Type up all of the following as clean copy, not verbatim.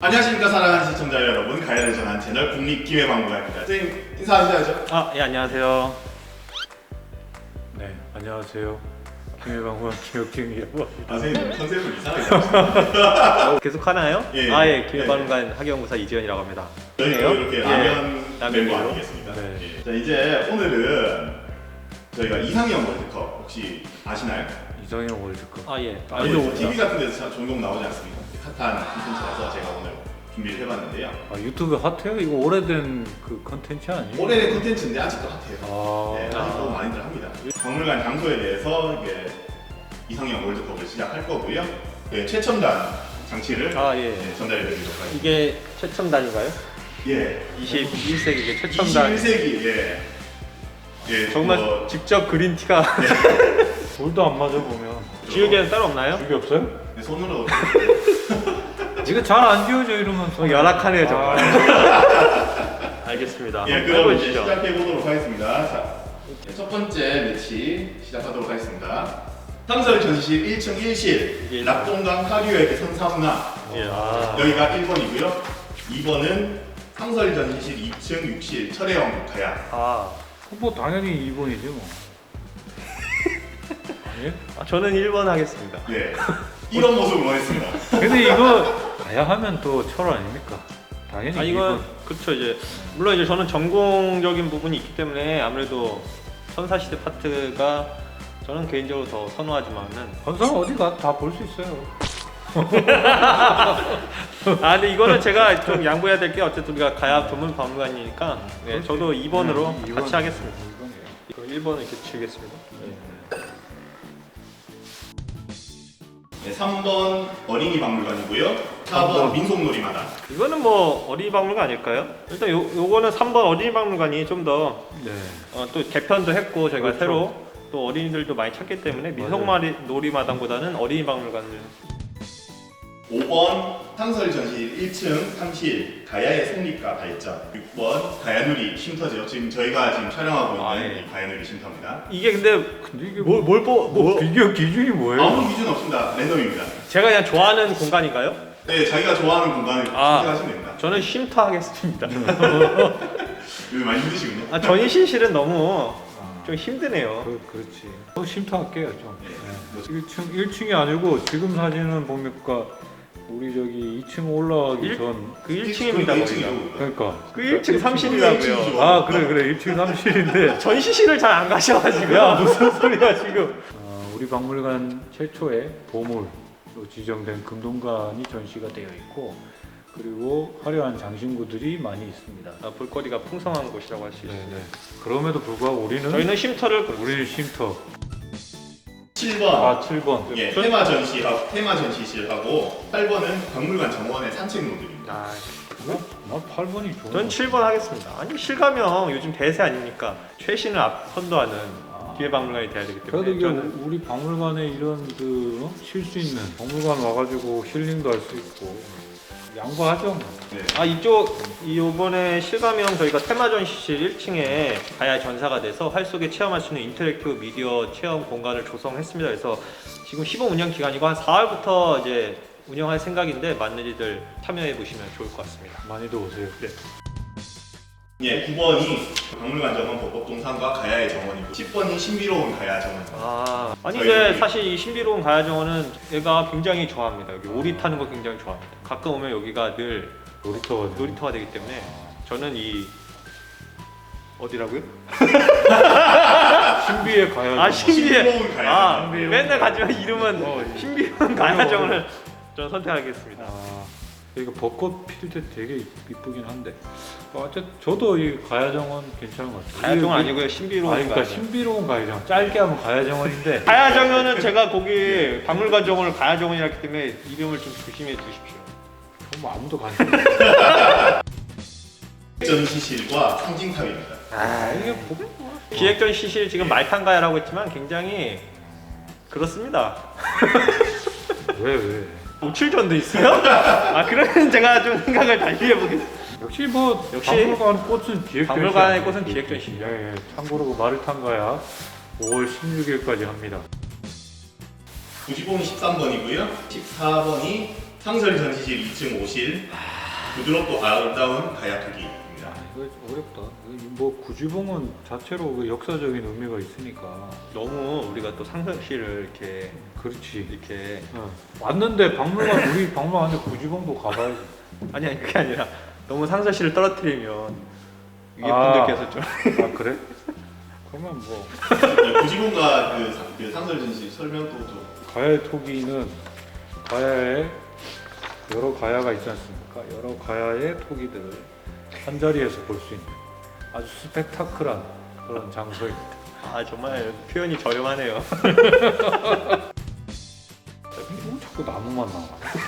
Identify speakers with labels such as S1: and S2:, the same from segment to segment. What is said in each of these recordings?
S1: 안녕하십니까 사랑하는 시청자 여러분, 가야를 전한 채널 국립기회박물관입니다. 선생님 인사하셔야죠.
S2: 예, 안녕하세요.
S3: 네, 안녕하세요. 김해방문 김혁진이라고 합니다.
S1: 선생님 컨셉을 이상하게 하시네요.
S2: 계속 하나요?
S1: 예.
S2: 예, 기회박물관 학예연구사 이지현이라고 합니다.
S1: 저희가 이렇게 라면 멤버
S2: 라면으로.
S1: 아니겠습니까?
S3: 네.
S1: 예. 자, 이제 오늘은 저희가 이상형 월드컵 혹시 아시나요?
S3: 이상형 월드컵.
S2: 예.
S1: 아니, TV 같은 데서 참 종종 나오지 않습니까? 핫한 콘텐츠라서 제가 오늘 준비를 해봤는데요.
S3: 유튜브 핫해요? 이거 오래된 그 컨텐츠 아니에요?
S1: 오래된 콘텐츠인데 아직도 핫해요. 네,
S3: 아,
S1: 아직도 많이들 합니다. 박물관 장소에 대해서 이게 이상형 월드컵을 시작할 거고요. 네, 최첨단 장치를
S2: 예.
S1: 전달해드리도록 하겠습니다.
S2: 이게 최첨단인가요?
S1: 예,
S2: 21세기 최첨단.
S1: 21세기 예,
S2: 정말
S1: 뭐,
S2: 직접 그린 티가
S3: 돌도 안 맞아 보면.
S2: 지우개는 따로 없나요?
S3: 죽이 없어요?
S1: 네, 손으로
S3: 이거 잘 안 지워져 이러면서.
S2: 열악하네요 정말. 알겠습니다.
S1: 예, 그럼 이제 시작해 보도록 하겠습니다. 자, 첫 번째 매치 시작하도록 하겠습니다. 상설 전시실 1층 1실 낙동강 하류의 선사문화.
S2: 예.
S1: 여기가 1번이고요. 2번은 상설 전시실 2층 6실 철혜영 가야.
S3: 뭐 당연히 2번이지 뭐. 아니에요?
S2: 저는 1번 하겠습니다.
S1: 네, 이런 모습을 원했습니다.
S3: 근데 이거 가야 하면 또 철 아닙니까? 당연히
S2: 이건
S3: 2번.
S2: 그렇죠. 이제 물론 이제 저는 전공적인 부분이 있기 때문에 아무래도 선사시대 파트가 저는 개인적으로 더 선호하지만은
S3: 건설 어디가 다 볼 수 있어요.
S2: 근데 이거는 제가 좀 양보해야 될 게 어쨌든 우리가 가야 전문 박물관이니까 네, 저도 2번으로 같이 하겠습니다.
S3: 2번이에요.
S2: 그럼 1번을 이렇게 치겠습니다.
S1: 네, 3번 어린이 박물관이고요. 4번 민속놀이마당.
S2: 이거는 뭐 어린이 박물관 아닐까요? 일단 요거는 3번 어린이 박물관이 좀 더
S3: 네.
S2: 또 개편도 했고 저희가
S3: 그렇죠.
S2: 새로 또 어린이들도 많이 찾기 때문에 민속놀이마당보다는 어린이 박물관을
S1: 5번 상설 전시실 1층 3실 가야의 성립과 발전. 6번 가야누리 쉼터죠. 지금 저희가 지금 촬영하고 있는 이 가야누리 쉼터입니다.
S2: 이게 근데
S3: 이게
S2: 뭐
S3: 비교 기준이 뭐예요?
S1: 아무 기준 없습니다. 랜덤입니다.
S2: 제가 그냥 좋아하는 공간인가요?
S1: 네, 자기가 좋아하는 공간을 선택하시면 됩니다.
S2: 저는 쉼터 하겠습니다.
S1: 요즘 많이 힘드시군요.
S2: 전시실은 너무 좀 힘드네요.
S3: 그렇지. 쉼터 할게요 좀.
S1: 네.
S3: 1층이 아니고 지금 사진은 보니까 우리 저기 2층 올라가기 전.
S2: 그 1층입니다 거기가.
S1: 1층이죠.
S3: 그러니까.
S2: 그 1층 3실이라고요.
S3: 그래 1층 3실인데.
S2: 전시실을 잘 안 가셔가지고요.
S3: 야 무슨 소리야 지금. 우리 박물관 최초의 보물로 지정된 금동관이 전시가 되어 있고, 그리고 화려한 장신구들이 많이 있습니다.
S2: 볼거리가 풍성한 곳이라고 할 수 있어요.
S3: 네네. 그럼에도 불구하고
S2: 저희는 쉼터를
S3: 우리는 쉼터.
S1: 7번.
S3: 7번.
S1: 예, 테마 전시실하고 8번은 박물관 정원의 산책로들입니다.
S3: 나 8번이 좋아.
S2: 전 7번 하겠습니다. 아니 실감형 요즘 대세 아닙니까? 최신을 선도하는 기회박물관이 돼야 되기 때문에
S3: 그래도 이게
S2: 저는
S3: 우리 박물관에 이런 쉴 수 있는 박물관 와가지고 힐링도 할 수 있고 양보하죠.
S1: 네.
S2: 이번에 실감형 저희가 테마 전시실 1층에 가야 전사가 돼서 활 속에 체험할 수 있는 인터랙티브 미디어 체험 공간을 조성했습니다. 그래서 지금 시범 운영 기간이고 한 4월부터 이제 운영할 생각인데 많은 이들 참여해 보시면 좋을 것 같습니다.
S3: 많이들 오세요.
S2: 네.
S1: 예, 9번이 박물관 정원 법법동산과 가야의 정원이고 10번이 신비로운 가야 정원.
S2: 이제 사실 이 신비로운 가야 정원은 얘가 굉장히 좋아합니다. 여기 오리 타는 거 굉장히 좋아합니다. 가끔 오면 여기가 늘 놀이터가 되기 때문에 저는 이 어디라고요?
S3: 신비의 가야.
S1: 신비로운 가야.
S2: 맨날 가지만 이름은 신비로운 가야 정원을 저는 선택하겠습니다.
S3: 이거 벚꽃 필 때 되게 이쁘긴 한데. 어쨌든 저도 이 가야정원 괜찮은 것 같아요.
S2: 가야정원 아니고요, 신비로운
S3: 그러니까
S2: 가야정원.
S3: 신비로운 가야정원. 짧게 하면 가야정원인데.
S2: 가야정원은 제가 거기 박물관 정원을 가야정원이라 했기 때문에 이름을 좀 조심해 주십시오.
S3: 뭐 아무도 관심 없어.
S1: 전시실과 상징탑입니다.
S3: 이게
S2: 기획전 시실 지금 말탄가야라고 했지만 굉장히 그렇습니다.
S3: 왜?
S2: 노출전도 있어요? 그러면 제가 좀 생각을 달리 해보겠습니다.
S3: 역시
S2: 역시
S3: 박물관 꽃은 기획전.
S2: 박물관의 꽃은 기획전시죠.
S3: 예. 참고로 그 마르탄가야 5월 16일까지 합니다.
S1: 95는 13번이고요. 14번이 상설 전시실 2층 5실, 부드럽고 아름다운 가야토기입니다.
S3: 이거 어렵다. 뭐 구지봉은 자체로 그 역사적인 의미가 있으니까.
S2: 너무 우리가 또 상설실을 이렇게
S3: 그렇지.
S2: 이렇게
S3: 왔는데 박물관 우리 박물관에 구지봉도 가봐야지.
S2: 아니 그게 아니라 너무 상설실을 떨어뜨리면 위에
S3: 아.
S2: 분들께서 좀
S3: 아 그래? 그러면 뭐
S1: 구지공과 그 상설 전시실 설명도 좀.
S3: 가야의 토기는 가야에 여러 가야가 있지 않습니까? 여러 가야의 토기들을 한 자리에서 볼 수 있는 아주 스펙타클한 그런 장소입니다.
S2: 아 정말 표현이 저렴하네요.
S3: 자꾸 나무만 나와.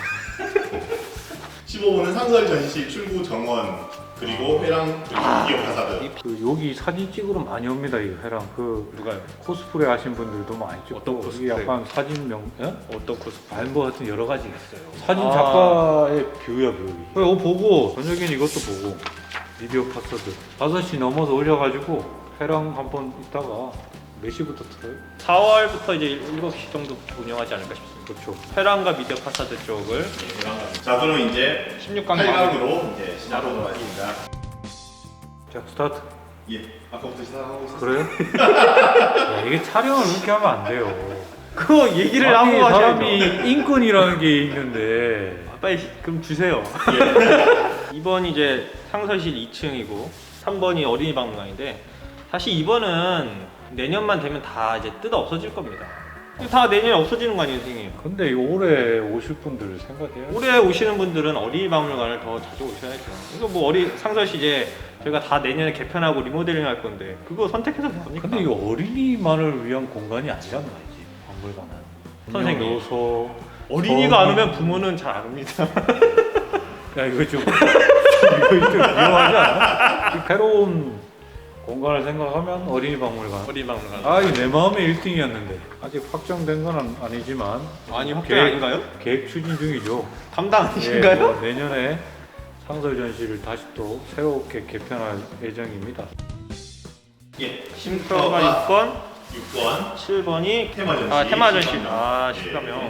S1: 15호는 상설 전시실 출구 정원, 그리고 회랑, 그리고 기업 파사드.
S3: 그 여기 사진 찍으러 많이 옵니다. 이 회랑 그
S2: 누가요?
S3: 코스프레 하신 분들도 많이 찍고.
S2: 어떤
S3: 이게
S2: 코스프레?
S3: 약간 사진명, 예?
S2: 어떤 코스?
S3: 뭐 하여튼 여러 가지 있어요. 사진
S2: 아.
S3: 작가의 뷰야 뷰. 이거 보고 저녁엔 이것도 보고 미디어 파서드 5시 넘어서 올려가지고 회랑 한번 있다가 몇 시부터 틀어요?
S2: 4월부터 이제 7시 정도 운영하지 않을까 싶습니다.
S3: 그렇죠.
S2: 회랑과 미디어 파사드 쪽을
S1: 네, 회랑. 자, 그럼 이제
S2: 16강
S1: 8강으로 이제 시작하도록 하겠습니다.
S3: 자 스타트.
S1: 예, 아까부터 시작하고 있었어요.
S3: 그래요? 야, 이게 촬영을 그렇게 하면 안 돼요.
S2: 그거 얘기를
S3: 아니,
S2: 하고
S3: 사람이
S2: 하셔야죠.
S3: 인권이라는 게 있는데
S2: 아, 빨리 그럼 주세요. 2번 이제 상설실 2층이고 3번이 어린이 박물관인데 사실 2번은 내년만 되면 다 이제 뜯어 없어질 겁니다. 다 내년에 없어지는 거 아니에요, 선생님?
S3: 근데 이 올해 오실 분들을 생각해야
S2: 올해 오시는 분들은 어린이 박물관을 더 자주 오셔야죠. 이거 뭐 상설실 이제 저희가 다 내년에 개편하고 리모델링 할 건데 그거 선택해서 됩니까?
S3: 근데 이거 어린이만을 위한 공간이 아니란 말이지 박물관은.
S2: 선생님.
S3: 넣어서
S2: 어린이가 안 오면 부모는 잘 안 옵니다.
S3: 야 이거 좀 이거 좀 위험하지 않아? 이 새로운 공간을 생각하면 어린이 박물관.
S2: 어린이 박물관.
S3: 아 이거 내 마음의 1등이었는데 아직 확정된 건 아니지만
S2: 아니 확정 아닌가요?
S3: 계획 추진 중이죠.
S2: 담당
S3: 예,
S2: 아니신가요?
S3: 뭐 내년에 상설 전시를 다시 또 새롭게 개편할 예정입니다.
S1: 예,
S2: 쉼터가 6번,
S1: 6번
S2: 7번이
S1: 테마 전시.
S2: 테마 전시.
S1: 실감형.
S2: 아
S1: 예.
S2: 실감형.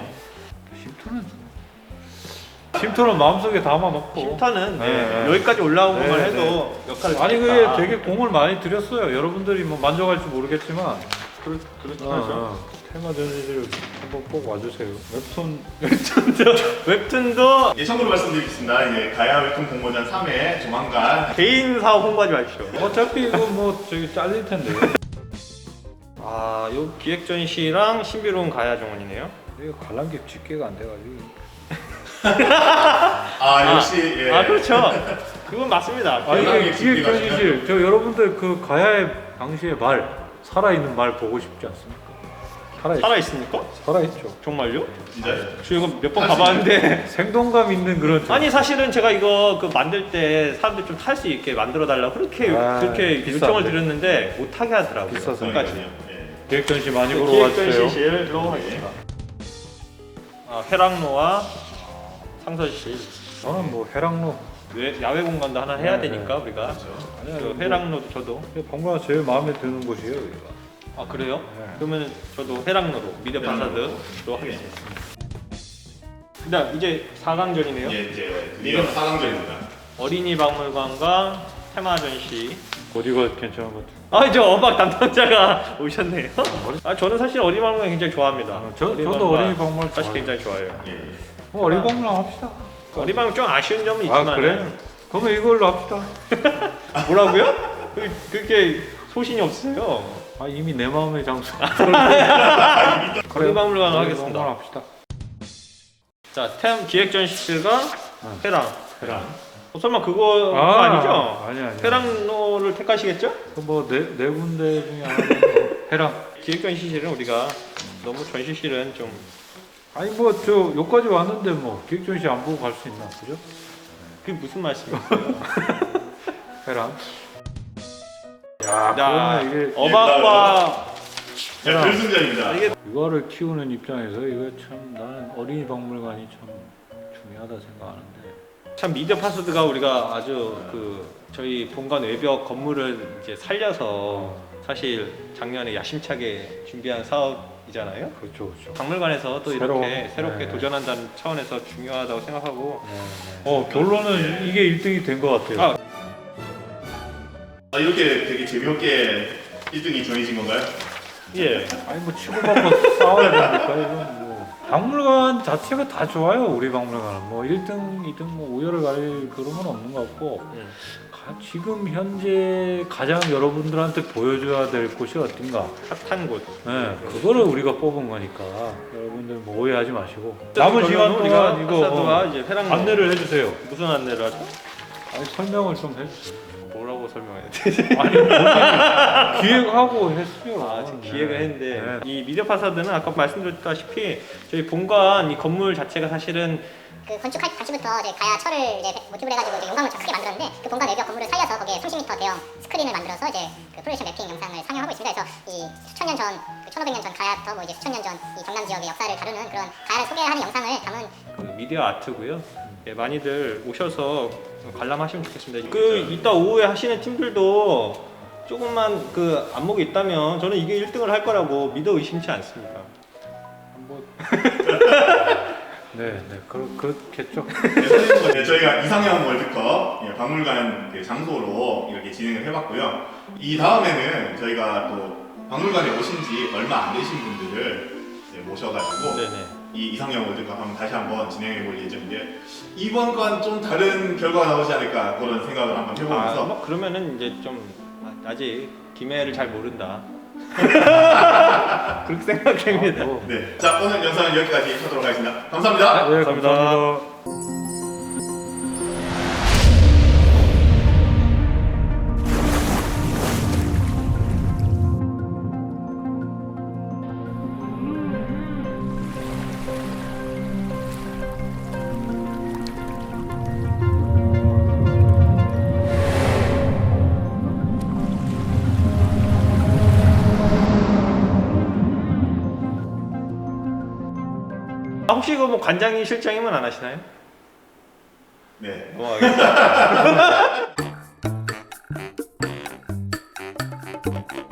S3: 쉼터는 마음속에 담아놓고.
S2: 쉼터는 네,
S3: 네, 네.
S2: 여기까지 올라온
S3: 네,
S2: 것만
S3: 네.
S2: 해도 역할을
S3: 아니
S2: 했다.
S3: 그게 되게 공을 많이 들였어요. 여러분들이 뭐 만족할지 모르겠지만
S2: 그렇죠.
S3: 테마 전시를 한번 꼭 와주세요.
S2: 웹툰도
S1: 예, 참고로 말씀드리겠습니다. 이제 가야 웹툰 공모전 3회 조만간
S2: 개인 사업 홍보하지 마십시오.
S3: 어차피 이거 뭐 저기 잘릴 텐데.
S2: 아, 요 기획 전시랑 신비로운 가야 정원이네요.
S3: 이거 관람객 집계가 안 돼가지고.
S1: 역시 예.
S2: 아 그렇죠. 그건 맞습니다.
S3: 아니
S1: 관람객
S3: 이게 기획
S1: 집계가
S3: 전시실 저 여러분들 그 가야의 당시의 말 살아있는 말 보고 싶지 않습니까?
S2: 살아 있습니까?
S3: 살아있죠.
S2: 정말요?
S1: 진짜
S2: 저 이거 몇 번 가봤는데
S3: 생동감 있는 그런
S2: 아니 사실은 제가 이거 그 만들 때 사람들 좀 탈 수 있게 만들어 달라고 그렇게
S3: 비싼데.
S2: 요청을 드렸는데 못 하게 하더라고요.
S3: 비싸서.
S2: 끝까지.
S1: 예.
S3: 기획 전시 많이 보러
S2: 기획
S3: 와주세요.
S2: 전시실로 하겠습니다. 회랑로와 상설실.
S3: 저는 뭐 회랑로
S2: 야외 공간도 하나 해야
S3: 네,
S2: 되니까 우리가
S3: 아니야,
S2: 그
S3: 뭐
S2: 회랑로도 저도
S3: 방구가 제일 마음에 드는 곳이에요 여기가.
S2: 아 그래요?
S3: 네.
S2: 그러면 저도 회랑로로 미디어 파사드로 하겠습니다. 그다음 이제 4강전이네요.
S1: 예, 이제 드디어 4강전입니다.
S2: 어린이 박물관과 테마 전시.
S3: 어디가 괜찮은 것 같아요?
S2: 아 이제 어박 담당자가 오셨네요. 아 저는 사실 어린이 박물관 굉장히 좋아합니다.
S3: 저도 어린이 박물관
S2: 사실
S3: 좋아해요.
S2: 굉장히 좋아해요.
S1: 예.
S3: 뭐 어린이 박물관 합시다.
S2: 어린이 박물관 좀 아쉬운 점은 있지만
S3: 아 그래? 그러면 이걸로 합시다.
S2: 뭐라고요? 그렇게 소신이 없으세요.
S3: 아 이미 내 마음의 장소.
S2: 어린이 박물관 하겠습니다.
S3: 박물관 합시다.
S2: 자, 기획 전시실과 회랑.
S3: 회랑.
S2: 설마 그거
S3: 아,
S2: 아니죠?
S3: 아니야.
S2: 회랑로를 택하시겠죠?
S3: 뭐네 군데 중에 하나. 회랑.
S2: 기획 전시실은 우리가 너무 전시실은 좀
S3: 아니 뭐 저 여기까지 왔는데 뭐 기획 전시 안 보고 갈 수 있나 그죠?
S2: 그게 무슨 말씀이세요?
S3: 회랑.
S2: 야,
S3: 그러면 이게
S2: 어박과
S1: 자, 결승전입니다.
S2: 이게
S3: 이거를 키우는 입장에서 이거 참 나는 어린이 박물관이 참 중요하다 생각하는데.
S2: 참 미디어 파스드가 우리가 아주 그 저희 본관 외벽 건물을 이제 살려서 사실 작년에 야심차게 준비한 사업 박물관이잖아요.
S3: 그렇죠, 그렇죠.
S2: 박물관에서 또
S3: 새로운,
S2: 이렇게 새롭게
S3: 네.
S2: 도전한다는 차원에서 중요하다고 생각하고.
S3: 결론은 이게 1등이 된 것 같아요.
S1: 이렇게 되게 재미없게 1등이 정해진 건가요?
S2: 예.
S3: 아니 뭐 치고받고 싸워야 되니까 이건 뭐 박물관 자체가 다 좋아요. 우리 박물관은 뭐 1등, 2등 뭐 우열을 가릴 그런 건 없는 것 같고 지금 현재 가장 여러분들한테 보여줘야 될 곳이 어딘가.
S2: 핫한 곳.
S3: 네, 그거를 우리가 뽑은 거니까 여러분들 뭐 오해하지 마시고 남은 시간
S2: 우리가
S3: 동안 이거
S2: 이제 회랑
S3: 안내를 해주세요.
S2: 무슨 안내를 하죠?
S3: 아니 설명을 좀 해주세요.
S2: 뭐라고 설명해야 되지?
S3: 아니 본인이 기획하고 했어요.
S2: 아, 지금 기획을 했는데
S3: 네.
S2: 이 미디어 파사드는 아까 말씀드렸다시피 저희 본관 이 건물 자체가 사실은
S4: 그 건축할 당시부터 이제 가야 철을 이제 모티브로 해가지고 이제 용광로 크게 만들었는데 그 본관 외벽 건물을 살려서 거기에 30m 대형 스크린을 만들어서 이제 그 프로젝션 매핑 영상을 상영하고 있습니다. 그래서 이 수천 년 전, 그 1500년 전 가야부터 뭐 이제 수천 년 전 이 경남 지역의 역사를 다루는 그런 가야를 소개하는 영상을 담은
S2: 그 미디어 아트고요. 예, 많이들 오셔서 관람하시면 좋겠습니다. 그 이따 오후에 하시는 팀들도 조금만 그 안목이 있다면 저는 이게 1등을 할 거라고 믿어 의심치 않습니다.
S3: 뭐 네, 그렇겠죠.
S1: 네, 저희가 이상형 월드컵 박물관 그 장소로 이렇게 진행을 해봤고요. 이 다음에는 저희가 또 박물관에 오신 지 얼마 안 되신 분들을 모셔가지고
S2: 네네.
S1: 이 이상형 월드컵 한번 다시 한번 진행해 볼 예정인데 이번 건 좀 다른 결과가 나오지 않을까 그런 생각을 한번 해보면서
S2: 뭐 그러면은 이제 좀 아직 김해를 잘 모른다. 그렇게 생각됩니다.
S1: 네, 자 오늘 영상은 여기까지 하도록 하겠습니다. 감사합니다.
S3: 네,
S2: 감사합니다.
S3: 감사합니다.
S2: 아, 혹시 그 뭐 관장이 실장이면 안 하시나요?
S1: 네.
S2: 넘어가겠습니다.